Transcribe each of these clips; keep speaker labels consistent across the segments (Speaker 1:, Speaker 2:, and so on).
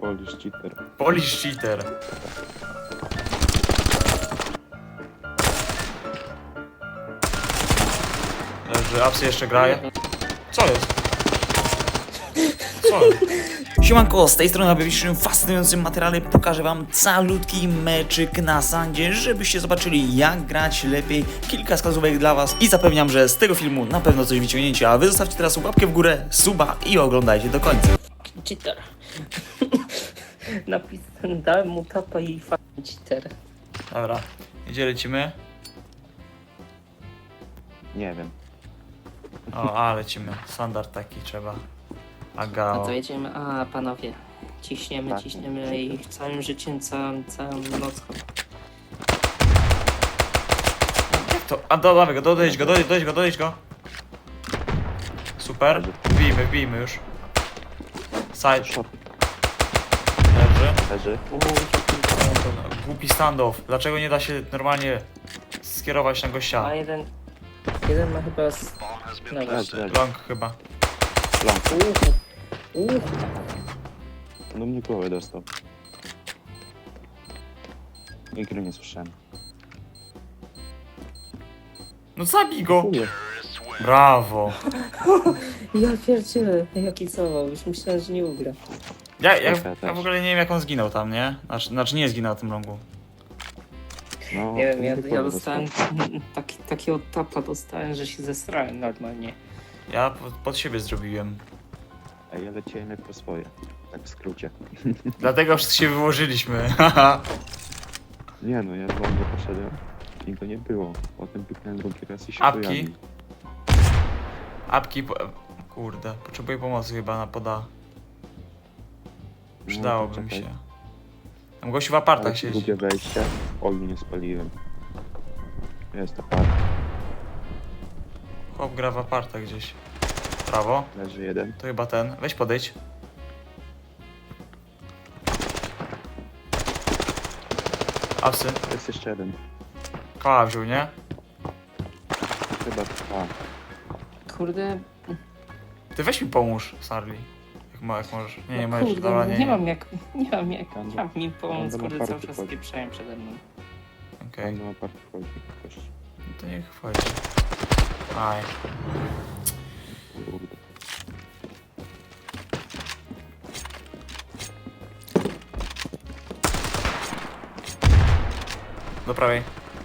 Speaker 1: Polish cheater.
Speaker 2: Polish cheater. Leży, apsy jeszcze graje. Co jest? Co jest?
Speaker 3: Siemanko, z tej strony w dzisiejszym fascynującym materiale pokażę wam calutki meczyk na sandzie, żebyście zobaczyli jak grać lepiej, kilka wskazówek dla was i zapewniam, że z tego filmu na pewno coś wyciągniecie, a wy zostawcie teraz łapkę w górę, suba i oglądajcie do końca.
Speaker 4: Cheater. Napisałem, dałem mu tapa i cheater.
Speaker 2: Dobra, gdzie lecimy?
Speaker 1: Nie wiem.
Speaker 2: O, lecimy. Standard taki trzeba.
Speaker 4: No
Speaker 2: Agao.
Speaker 4: to jedziemy, panowie. Ciśniemy,
Speaker 1: Tak.
Speaker 4: ciśniemy i całym życiem, całą nocą.
Speaker 2: Jak to? A dawaj go, dodejdź go. Super. Wbijmy już. Side.
Speaker 1: Short
Speaker 2: Leży.
Speaker 1: leży.
Speaker 2: Głupi standoff. Dlaczego nie da się normalnie skierować na gościa?
Speaker 4: A jeden ma chyba no
Speaker 1: Leży,
Speaker 4: właśnie.
Speaker 1: leży.
Speaker 2: Long chyba.
Speaker 1: Long.
Speaker 4: Uuu.
Speaker 1: No mnie głowę dostał. Nigdy nie słyszałem.
Speaker 2: No zabij go!
Speaker 1: Chuję.
Speaker 2: Brawo.
Speaker 4: Ja pierdzielę, jaki całował, już myślałem, że nie ugra.
Speaker 2: Ja
Speaker 1: też.
Speaker 2: w ogóle nie wiem jak on zginął tam, nie? Znaczy nie zginął na tym longu.
Speaker 1: No,
Speaker 4: Nie wiem,
Speaker 1: mnie
Speaker 4: ja
Speaker 1: głowę
Speaker 4: dostałem
Speaker 1: dostał.
Speaker 4: takiego tapa dostałem, że się zesrałem normalnie.
Speaker 2: Ja pod siebie zrobiłem.
Speaker 1: Ej, ja leciałem jak po swoje. Tak w skrócie.
Speaker 2: Dlatego się wyłożyliśmy.
Speaker 1: Nie no, ja znowu poszedłem i go nie było. Potem pyknąłem drugi raz i się
Speaker 2: Apki?
Speaker 1: pojawił.
Speaker 2: Apki, kurde, potrzebuję pomocy chyba na poda. Przydałoby mi
Speaker 1: czekaj.
Speaker 2: się. Tam gościu w apartach
Speaker 1: Ale
Speaker 2: siedzi.
Speaker 1: drugie wejście. Oj, nie spaliłem. Jest apart.
Speaker 2: Chłop gra w apartach gdzieś. Prawo.
Speaker 1: Leży jeden.
Speaker 2: To chyba ten. Weź podejdź. Apsy.
Speaker 1: Jest jeszcze jeden.
Speaker 2: Koła wziął, nie?
Speaker 1: Chyba
Speaker 4: Kurde,
Speaker 2: Ty weź mi pomóż, Sarli. Jak możesz. Nie możesz.
Speaker 4: kurde,
Speaker 2: Dobra,
Speaker 4: nie mam jak mi pomóc,
Speaker 1: Będę
Speaker 4: kurde,
Speaker 1: na
Speaker 4: cały
Speaker 1: party
Speaker 4: czas
Speaker 1: wchodzi.
Speaker 4: spieprzają przede mną.
Speaker 2: Okej.
Speaker 1: Tam na apart wchodzi. Ktoś.
Speaker 2: No to niech wchodzi. Aj.
Speaker 1: Kurde.
Speaker 2: Do prawej.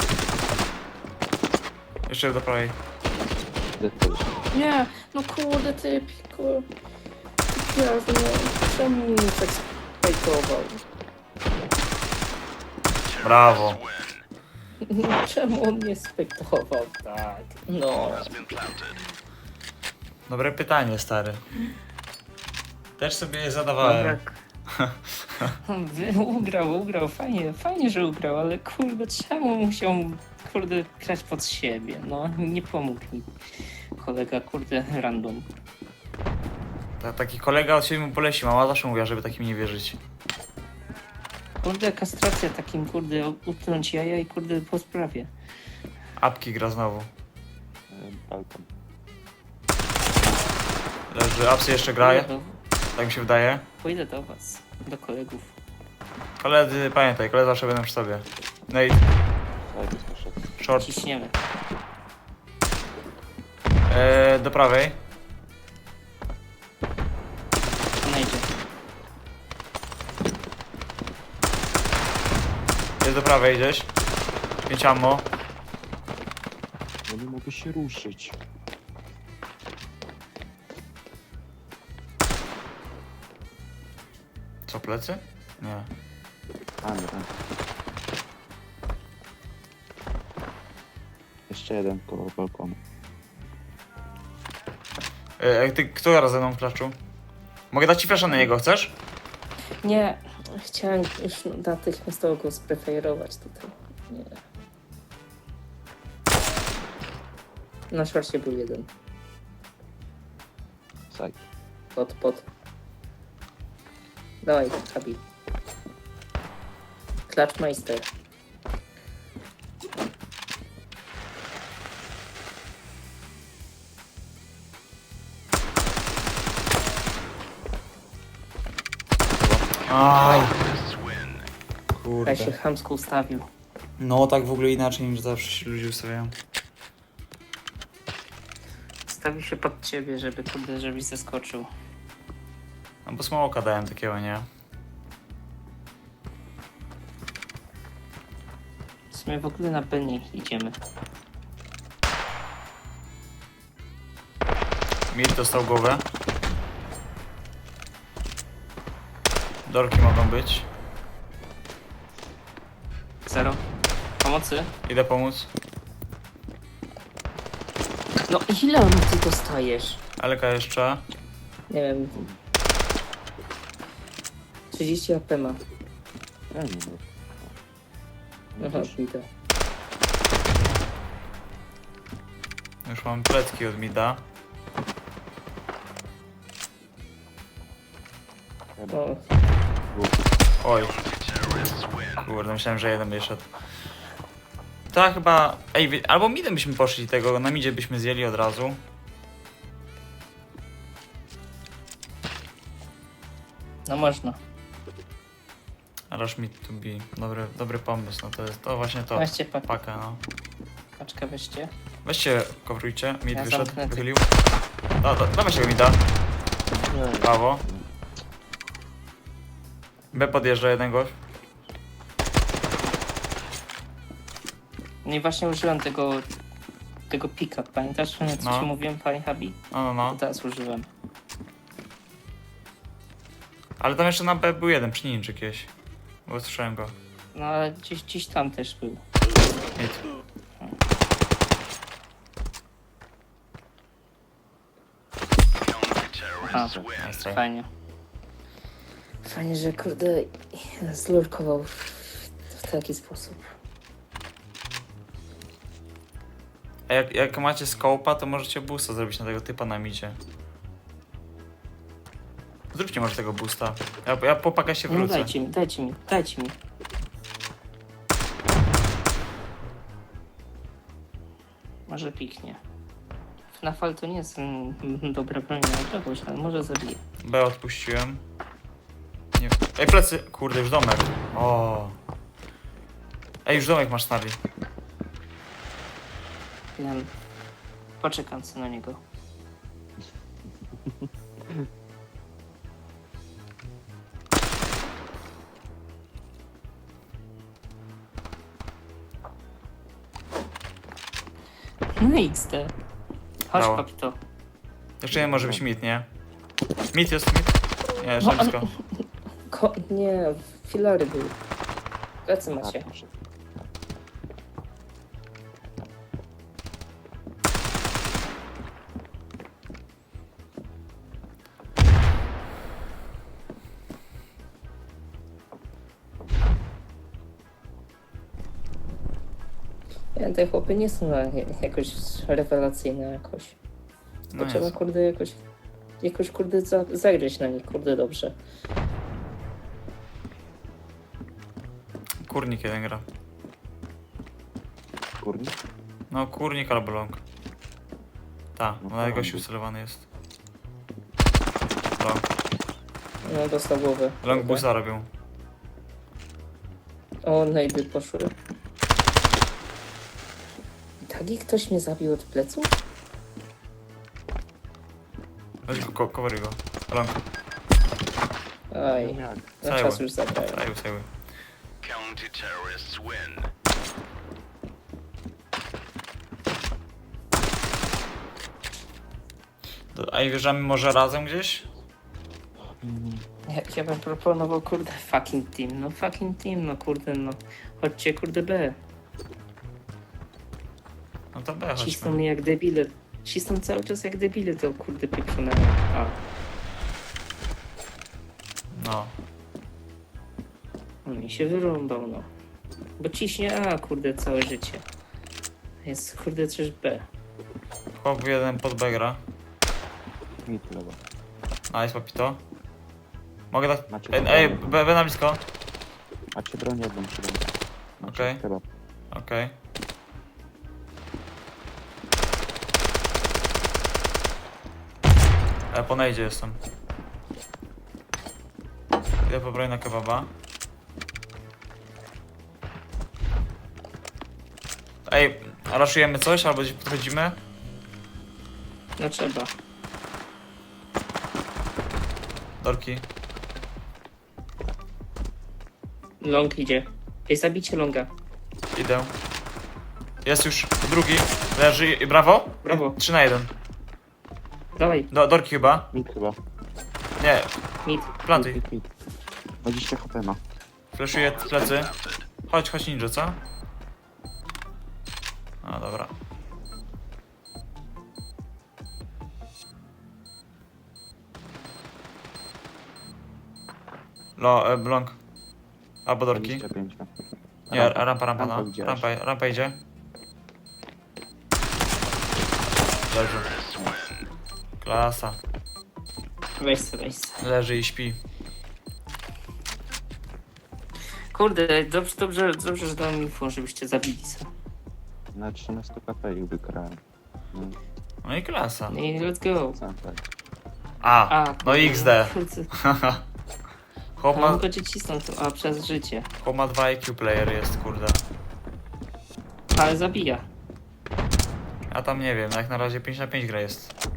Speaker 2: Jeszcze do prawej.
Speaker 1: Deadpool.
Speaker 4: Nie, no kurde, ty piku. Jasno, czemu mnie tak spajkował?
Speaker 2: Brawo.
Speaker 4: Czemu on mnie spajkował tak? No.
Speaker 2: Dobre pytanie, stary. Też sobie je zadawałem.
Speaker 4: Ugrał, fajnie, że ugrał, ale kurde, czemu musiał, kurde, grać pod siebie? No, nie pomógł mi kolega, kurde, random.
Speaker 2: Taki kolega od siebie mu poleci. Mama zawsze mówiła, żeby takim nie wierzyć.
Speaker 4: Kurde, kastracja takim, kurde, utknąć jaja i kurde, po sprawie.
Speaker 2: Apki gra znowu.
Speaker 1: Balkon.
Speaker 2: Leży, apsy jeszcze graje. Tak mi się wydaje.
Speaker 4: Pójdę do was, do kolegów.
Speaker 2: Koledzy, pamiętaj, koledzy zawsze będą przy sobie. Nate,
Speaker 1: Side poszedł.
Speaker 2: short.
Speaker 4: Ciśniemy.
Speaker 2: Do prawej.
Speaker 4: Znajdzie.
Speaker 2: Jest do prawej gdzieś. 5 ammo.
Speaker 1: No nie mogę się ruszyć.
Speaker 2: Co, plecy? Nie.
Speaker 1: A nie. Jeszcze jeden koło balkonu.
Speaker 2: Ty, kto gra ze mną w klaczu? Mogę dać ci flasza na niego, chcesz?
Speaker 4: Nie, chciałem już natychmiastowo go spreferować tutaj. Nie. Na szorcie był jeden.
Speaker 1: Side.
Speaker 4: Pod. Dawaj, Habi. Klaczmeister.
Speaker 2: Aj.
Speaker 4: Ja
Speaker 2: Kurde.
Speaker 4: się chamsko ustawił.
Speaker 2: No tak w ogóle inaczej niż zawsze się ludzie ustawiają.
Speaker 4: Stawił się pod ciebie, żeby kurde, żebyś zeskoczył.
Speaker 2: No bo smoka dałem takiego, nie?
Speaker 4: W sumie w ogóle na B nie idziemy.
Speaker 2: Mid dostał głowę. Dorki mogą być.
Speaker 4: Zero. Pomocy?
Speaker 2: Idę pomóc.
Speaker 4: No ile ty dostajesz?
Speaker 2: Elka jeszcze.
Speaker 4: Nie wiem. 30 AP ma.
Speaker 1: Ja nie wiem.
Speaker 4: Aha, idę.
Speaker 2: Już mam pletki od mida.
Speaker 4: O,
Speaker 2: Oj. Kurde, myślałem, że jeden wyszedł. To chyba... Ej, albo midem byśmy poszli tego, na midzie byśmy zjęli od razu.
Speaker 4: no można.
Speaker 2: Rush mid to be. Dobry pomysł, no to jest to właśnie to.
Speaker 4: Weźcie
Speaker 2: Pakę, no.
Speaker 4: paczkę, weźcie.
Speaker 2: Weźcie, coverujcie. Mid
Speaker 4: Ja
Speaker 2: wyszedł,
Speaker 4: zamknę ty.
Speaker 2: wychylił. Dawaj się go mida. Brawo. B podjeżdża jeden gość.
Speaker 4: No i właśnie użyłem tego pika, pamiętasz, co
Speaker 2: No.
Speaker 4: ci mówiłem, panie Habi?
Speaker 2: No.
Speaker 4: To teraz użyłem.
Speaker 2: Ale tam jeszcze na B był jeden przy ninja jakieś. Bo słyszałem go.
Speaker 4: No ale gdzieś tam też był.
Speaker 2: Mid.
Speaker 4: Aha,
Speaker 2: Nice try.
Speaker 4: fajnie. Fajnie, że kurde zlurkował w taki sposób.
Speaker 2: A jak macie scope'a, to możecie boosta zrobić na tego typa na midzie. Zróbcie może tego boosta. Ja po pakę się
Speaker 4: No
Speaker 2: wrócę.
Speaker 4: dajcie mi. Może piknie. FNAF to nie jest dobra broń na czegoś, ale może zabije.
Speaker 2: B odpuściłem. Nie. Ej, plecy! Kurde, już domek. O. Ej, już domek masz snarli.
Speaker 4: Ja poczekam sobie na niego. No XD. Chodź
Speaker 2: Brawo.
Speaker 4: papito.
Speaker 2: Jeszcze nie może być mid, nie? Mid jest mid? Nie, jeszcze
Speaker 4: No,
Speaker 2: blisko.
Speaker 4: Nie, filary były. Plecy
Speaker 1: Tak,
Speaker 4: macie. Nie, te chłopy nie są jakoś rewelacyjne jakoś.
Speaker 2: No
Speaker 4: To trzeba
Speaker 2: jest.
Speaker 4: kurde jakoś kurde zagryźć na nich kurde dobrze.
Speaker 2: Kurnik jeden gra.
Speaker 1: Kurnik?
Speaker 2: No, kurnik albo long. Ta,
Speaker 1: No
Speaker 2: na
Speaker 1: to
Speaker 2: gościu
Speaker 1: long.
Speaker 2: celowany jest. Long.
Speaker 4: No dostał głowę.
Speaker 2: Long boosta robią.
Speaker 4: O, najdy poszły. Tak ktoś mnie zabił od pleców?
Speaker 2: Weź go, coveruj go. Long.
Speaker 4: Aj,
Speaker 1: Jak?
Speaker 4: na
Speaker 2: Cały.
Speaker 4: czas już zabrałem.
Speaker 2: Cały.
Speaker 5: Counter-terrorists win.
Speaker 2: A i wjeżdżamy może razem gdzieś?
Speaker 4: Ja bym proponował kurde fucking team, no kurde no. Chodźcie kurde B.
Speaker 2: No to B
Speaker 4: Cisną
Speaker 2: chodźmy.
Speaker 4: mnie jak debile. Cisną cały czas jak debile to kurde pieprzone. A,
Speaker 2: No.
Speaker 4: on mi się wyrąbał no. Bo ciśnie A kurde całe życie. Jest kurde też B.
Speaker 2: Chłop jeden pod B gra.
Speaker 1: Mit lewa.
Speaker 2: Nice, papito. Mogę dać...
Speaker 1: Macie
Speaker 2: Ej,
Speaker 1: broń.
Speaker 2: B na blisko.
Speaker 1: Macie broń jedną przy ręce. Macie
Speaker 2: Okej.
Speaker 1: kebab.
Speaker 2: Okej. Po najdzie jestem. Idę po broń na kebaba. Ej, raszujemy coś albo gdzieś podchodzimy?
Speaker 4: No trzeba.
Speaker 2: Dorki.
Speaker 4: Long idzie. Ej, zabicie longa.
Speaker 2: Idę. Jest już drugi. Leży i brawo.
Speaker 4: Brawo.
Speaker 2: 3 na 1.
Speaker 4: Dawaj,
Speaker 2: Dorki chyba.
Speaker 1: Mit chyba.
Speaker 2: Nie,
Speaker 4: mid.
Speaker 2: plantuj.
Speaker 1: Mit. 20 HP ma.
Speaker 2: Fleszuję plecy. Chodź ninja, co? A, dobra. Blong. Albo dorki.
Speaker 1: 25 ma.
Speaker 2: Nie, rampa, no.
Speaker 1: Rampa widziałeś.
Speaker 2: Rampa idzie. Leży. Klasa.
Speaker 4: Weź se, weź se.
Speaker 2: Leży i śpi.
Speaker 4: Kurde, dobrze, że dałem info, żebyście zabili se.
Speaker 1: Na 13 KP ich wygrałem. No,
Speaker 2: No i klasa.
Speaker 4: No i let's go.
Speaker 1: sam tak.
Speaker 2: A, no
Speaker 4: kurde,
Speaker 2: XD.
Speaker 4: kurde.
Speaker 2: Chłop
Speaker 4: No,
Speaker 2: ma,
Speaker 4: mogę cię cisnąć, a przez życie.
Speaker 2: chłop ma 2 IQ player jest, kurde.
Speaker 4: Ale zabija.
Speaker 2: A tam nie wiem, jak na razie 5 na 5 gra jest.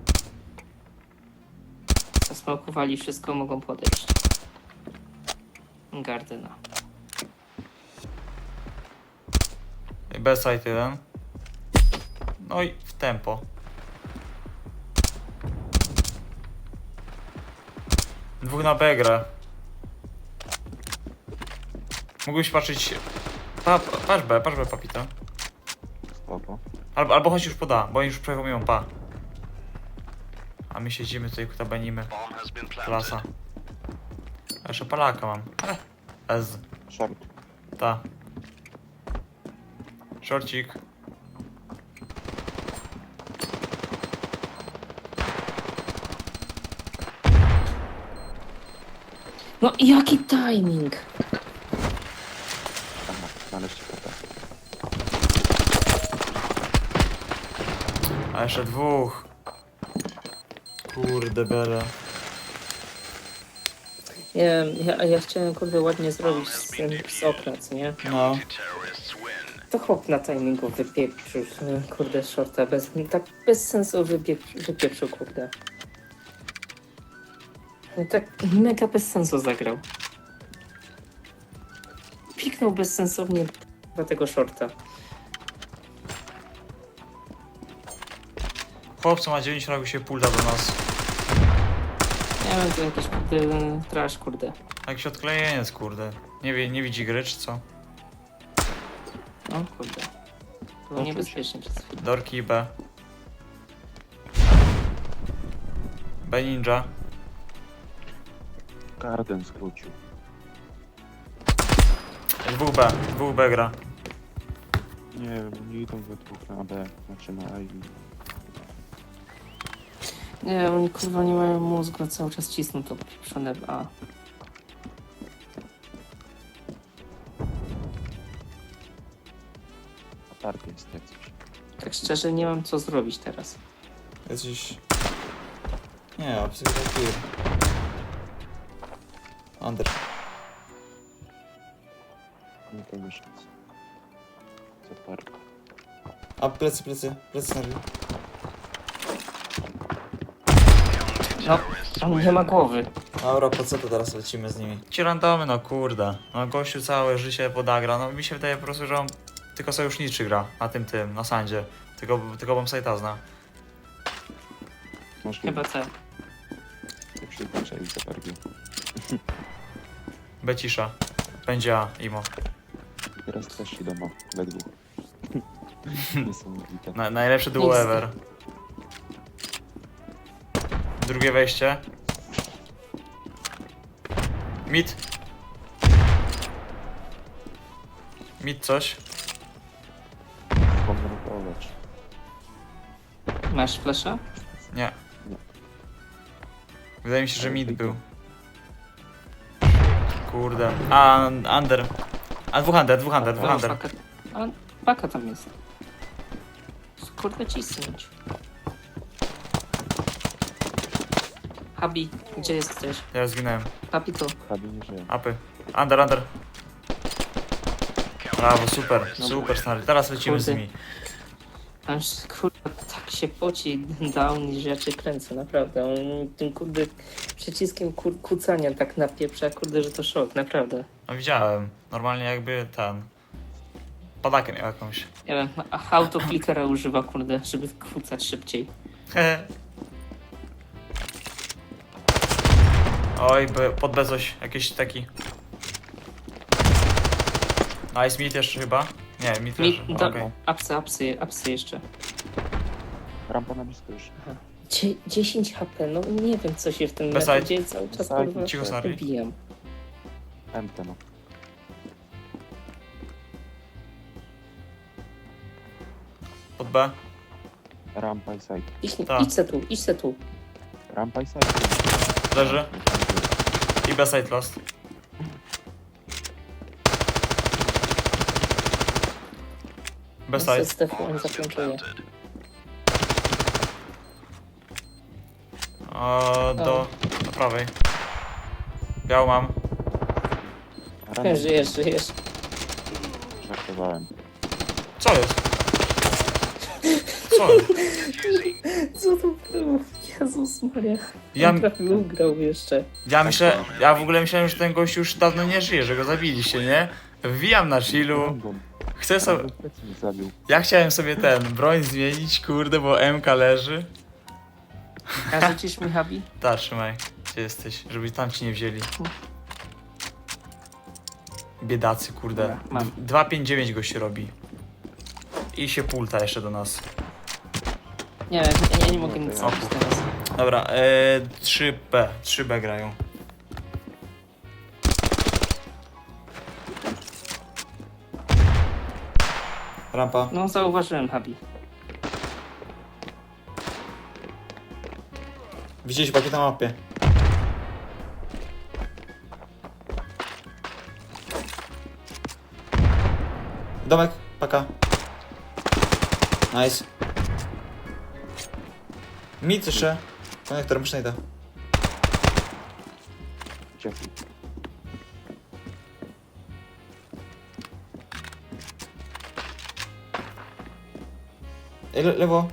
Speaker 4: Zasmałkowali wszystko, mogą podejść. Gardena.
Speaker 2: Bez side 1. No i w tempo. Dwóch na B gra. Mógłbyś patrzeć... Patrz B, papito.
Speaker 1: Spoko.
Speaker 2: Albo chodź już poda, bo oni już przechomują pa. A my siedzimy tutaj, kutabanimy.
Speaker 5: Bomb has been planted.
Speaker 2: Klasa. A jeszcze Polaka mam. Ez.
Speaker 1: Short.
Speaker 2: Ta. Shortcik.
Speaker 4: No jaki timing!
Speaker 1: Aha, 12 KP.
Speaker 2: A jeszcze dwóch. Kurde bele.
Speaker 4: Nie, ja chciałem kurde ładnie zrobić z okna, co nie?
Speaker 2: No.
Speaker 5: Terrorists win.
Speaker 4: To chłop na timingu wypieprzył, kurde, shorta, tak bez sensu wypieprzył, kurde. No tak mega bez sensu zagrał. Piknął bezsensownie do tego shorta.
Speaker 2: Chłopcu ma 9 rogu się pulda do nas.
Speaker 4: Nie wiem, to jakiś kurde trash, kurde.
Speaker 2: Jakiś odklejeniec, kurde. Nie widzi gry, czy co?
Speaker 4: No kurde. Było niebezpiecznie przez chwilę.
Speaker 2: Dorki i B. B ninja.
Speaker 1: Garden skrócił.
Speaker 2: Dwóch B gra.
Speaker 1: Nie wiem, nie idą we dwóch na B. Znaczy na A i...
Speaker 4: Nie, oni kurwa nie mają mózgu, cały czas cisną to pieprzone w A.
Speaker 1: Aparty jest jak coś.
Speaker 4: Tak szczerze nie mam co zrobić teraz.
Speaker 2: Jesteś... Nie, absolutnie. Under.
Speaker 1: Nie to miesiąc. Co park.
Speaker 2: A plecy na ryj.
Speaker 4: No, on nie ma głowy.
Speaker 2: Dobra, po co to teraz lecimy z nimi? Ci randomy, no kurde. No gościu całe życie podagra. No mi się wydaje po prostu, że on tylko sojuszniczy gra na tym, na sandzie. Tylko bombsite'a zna.
Speaker 1: Możliwe.
Speaker 4: Chyba tak.
Speaker 1: Jak się zaczęli za parki.
Speaker 2: Becisza. Będzie A, Imo.
Speaker 1: Teraz też idą we dwóch. Niesamowite.
Speaker 2: Najlepsze duo ever. Drugie wejście. Mid. Mid coś.
Speaker 1: Pomrukować.
Speaker 4: Masz flesza?
Speaker 2: Nie.
Speaker 1: Nie.
Speaker 2: Wydaje mi się, że mid był. Kurde. A, under. A, dwóch under.
Speaker 4: Faka. A paka tam jest. Kurde cisnąć. Habi, gdzie jesteś?
Speaker 2: Ja zginąłem.
Speaker 4: Habi tu.
Speaker 1: Habi nie żyje.
Speaker 2: Apy. Under. Brawo, super stary. Teraz lecimy z
Speaker 4: Kurde.
Speaker 2: nimi.
Speaker 4: Aż kurwa tak się poci down, że ja cię kręcę, naprawdę. On tym kurde przyciskiem kucania tak napieprza, kurde, że to szok, naprawdę.
Speaker 2: No widziałem. Normalnie jakby ten... Padakę miał jakąś.
Speaker 4: Nie wiem, autoklikera używa, kurde, żeby kucać szybciej.
Speaker 2: Oj, pod B coś. Jakiś taki... Nice, mid jeszcze chyba? Nie, mid
Speaker 4: Mi,
Speaker 2: leży.
Speaker 4: do,
Speaker 2: Okej.
Speaker 4: apsy jeszcze.
Speaker 1: Rampa na blisko już.
Speaker 4: 10 HP, no nie wiem co się w tym
Speaker 2: Beside.
Speaker 4: meczu dzieje, cały czas
Speaker 1: Beside.
Speaker 4: kurwa
Speaker 2: Cicho, Snarly.
Speaker 4: wybijam.
Speaker 1: MT no.
Speaker 2: Pod B.
Speaker 1: Rampa i side.
Speaker 2: Tak.
Speaker 4: Idź se tu.
Speaker 1: Rampa i side.
Speaker 2: Leży. I B side lost. B side.
Speaker 4: Stefan zakończuje.
Speaker 2: Do prawej. Biał mam.
Speaker 1: Rampa.
Speaker 4: Żyjesz.
Speaker 1: Żartowałem.
Speaker 2: Co jest? Co jest?
Speaker 4: Co to było? Jezus Maria.
Speaker 2: Ja-
Speaker 4: On prawie ugrał jeszcze.
Speaker 2: Ja w ogóle myślałem, że ten gość już dawno nie żyje, że go zabiliście, nie? Wbijam na chillu.
Speaker 1: Random.
Speaker 2: Chcę sobie...
Speaker 1: Plecy mi zabił.
Speaker 2: Ja chciałem sobie broń zmienić, kurde, bo MK leży.
Speaker 4: A rzucisz mi Habi?
Speaker 2: Ta, trzymaj. Gdzie jesteś? Żeby tam ci nie wzięli. Biedacy, kurde.
Speaker 4: Dobra, mam.
Speaker 2: 2,59 go się robi. I się pulta jeszcze do nas.
Speaker 4: Nie, ja nie mogę nic
Speaker 1: O,
Speaker 4: zrobić teraz.
Speaker 2: Dobra, 3B. 3B grają. Rampa.
Speaker 4: No zauważyłem Habi.
Speaker 2: Widzieliście pakiet na mapie. Domek, paka. Nice. Mid jeszcze. Konektor, muszę idę.
Speaker 1: Jeffy.
Speaker 2: Lewo.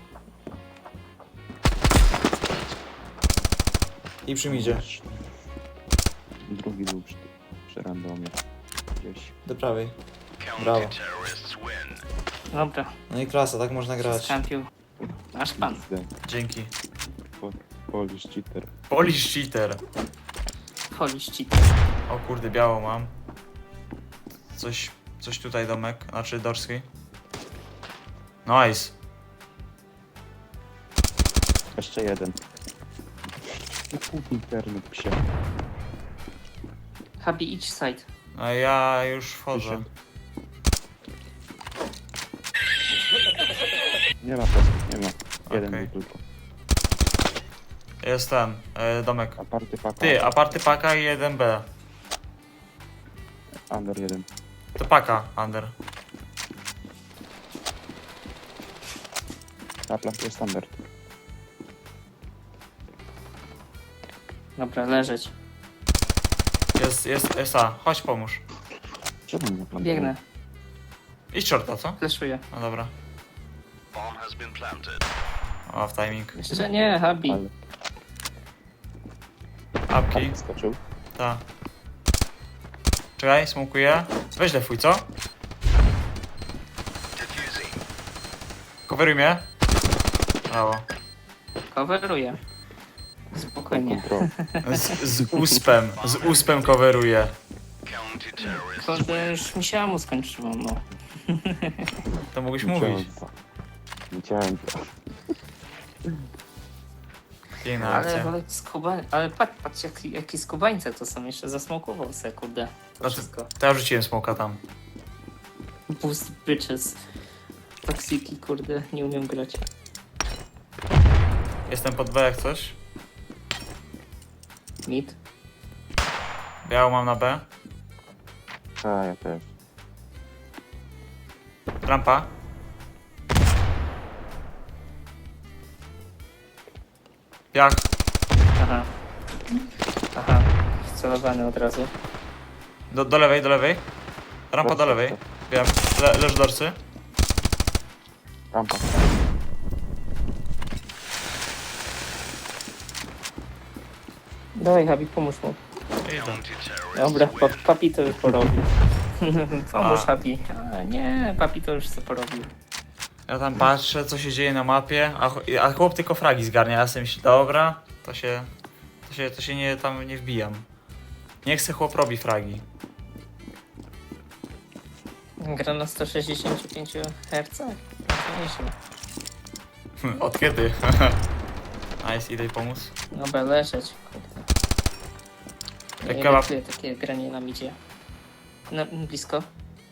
Speaker 2: I przy midzie.
Speaker 1: Drugi był przy randomie. Gdzieś.
Speaker 2: Do prawej. Brawo.
Speaker 5: Counter-terrorists win.
Speaker 4: Dobra,
Speaker 2: No i klasa, tak można grać.
Speaker 4: skampił. Nasz pan.
Speaker 1: XD.
Speaker 2: Dzięki.
Speaker 1: Polish cheater.
Speaker 2: Polish cheater.
Speaker 4: Polish cheat.
Speaker 2: O kurde, biało mam. Coś tutaj domek, znaczy dorski. Nice.
Speaker 1: Jeszcze jeden. Internet psie.
Speaker 4: Habi, idź side.
Speaker 2: No ja już wchodzę.
Speaker 1: Nie ma posłów, nie ma. Jeden
Speaker 2: Okej.
Speaker 1: był tylko.
Speaker 2: Jest ten, domek.
Speaker 1: Aparty paka.
Speaker 2: Ty, aparty paka i 1B.
Speaker 1: Under jeden.
Speaker 2: To paka, under.
Speaker 1: Na plancie jest standard.
Speaker 4: Dobra, leżeć.
Speaker 2: Jest SA, chodź pomóż.
Speaker 1: Czemu na plancie?
Speaker 4: Biegnę,
Speaker 2: Idź shorta, co?
Speaker 4: fleszuję.
Speaker 2: No dobra.
Speaker 5: Bomb has been planted.
Speaker 2: O, w timing.
Speaker 4: Jeszcze nie, Habi.
Speaker 1: Ale
Speaker 2: Apki,
Speaker 1: skoczył.
Speaker 2: ta. Czekaj, smokuję. Weź defuj, co?
Speaker 5: Diffusing.
Speaker 2: Coveruj mnie. Brawo.
Speaker 4: Coveruję. Spokojnie.
Speaker 1: Control.
Speaker 2: Z uspem coveruję.
Speaker 5: Counter-terrorists
Speaker 4: Kurde, już mi się amu skończyło, no.
Speaker 2: To mógłbyś mówić.
Speaker 1: Widziałem to.
Speaker 2: Piękna
Speaker 4: Ale,
Speaker 2: akcja.
Speaker 4: ale patrz jaki skubańce to są, jeszcze zasmokował se, kurde. To
Speaker 2: Znaczy,
Speaker 4: wszystko.
Speaker 2: to ja rzuciłem smoka tam.
Speaker 4: Boost bitches. Toksiki, kurde, nie umiem grać.
Speaker 2: Jestem pod B jak coś.
Speaker 4: Mid.
Speaker 2: Biało mam na B.
Speaker 1: A, ja też.
Speaker 2: Rampa. Jak?
Speaker 4: Aha. Aha, wcelowany od razu.
Speaker 2: Do lewej, do lewej. Rampa do lewej. Wiem, leży dorcy.
Speaker 1: Rampa.
Speaker 4: Dawaj, Habi, pomóż mu.
Speaker 2: Idę.
Speaker 5: Counter-terrorists
Speaker 4: Dobra,
Speaker 5: win.
Speaker 4: papi to już porobił. Pomóż,
Speaker 2: A.
Speaker 4: Habi. A, nie, papi to już co porobił.
Speaker 2: Ja tam patrzę, co się dzieje na mapie, a chłop tylko fragi zgarnia. Ja sobie myślę, dobra, to się nie, tam nie wbijam. Nie chcę, chłop robi fragi.
Speaker 4: Gra na 165 Hz? Nieźle.
Speaker 2: Od kiedy? Nice, idę pomóc.
Speaker 4: Dobra, leżeć. Kurde.
Speaker 2: Jak
Speaker 4: Nie
Speaker 2: kebab.
Speaker 4: czuję takie granie na midzie. No, blisko.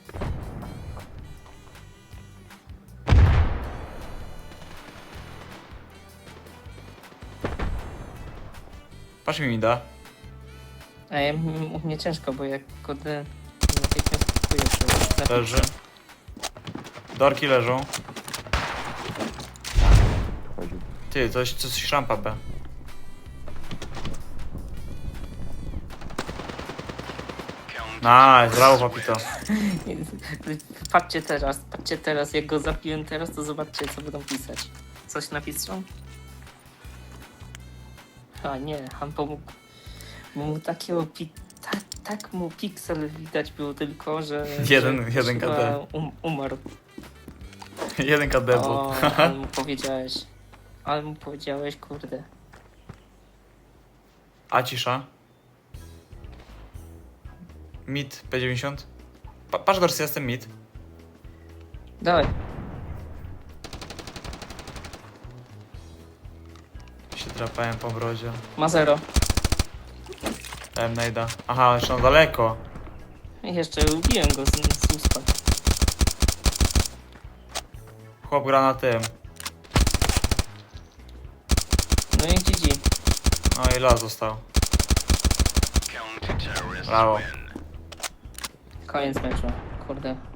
Speaker 2: Patrz mi da.
Speaker 4: A ja, u mnie ciężko, bo jak kurde natychmiast kupuję to
Speaker 2: Leży. Dorki leżą.
Speaker 1: Chodził.
Speaker 2: Ty, coś rampa B. Nice, brawo papito.
Speaker 4: Patrzcie teraz, jak go zapiłem teraz, to zobaczcie co będą pisać. Coś napiszą? A nie, han pomógł. Mu takiego tak mu piksel widać było tylko, że...
Speaker 2: Jeden
Speaker 4: że
Speaker 2: KD.
Speaker 4: chyba umarł.
Speaker 2: 1 KD był.
Speaker 4: O, ale mu powiedziałeś, kurde.
Speaker 2: A cisza. Mid P90. Patrz dorsy, jestem mid.
Speaker 4: Dawaj,
Speaker 2: Się drapałem po brodzie.
Speaker 4: ma 0.
Speaker 2: Dałem najda. Aha, jeszcze na daleko.
Speaker 4: I jeszcze ubiłem go z uspa.
Speaker 2: Chłop gra na tym.
Speaker 4: No i GG.
Speaker 2: No i las został.
Speaker 5: Counter-terrorists
Speaker 2: Brawo.
Speaker 5: win.
Speaker 4: Koniec meczu. Kurde,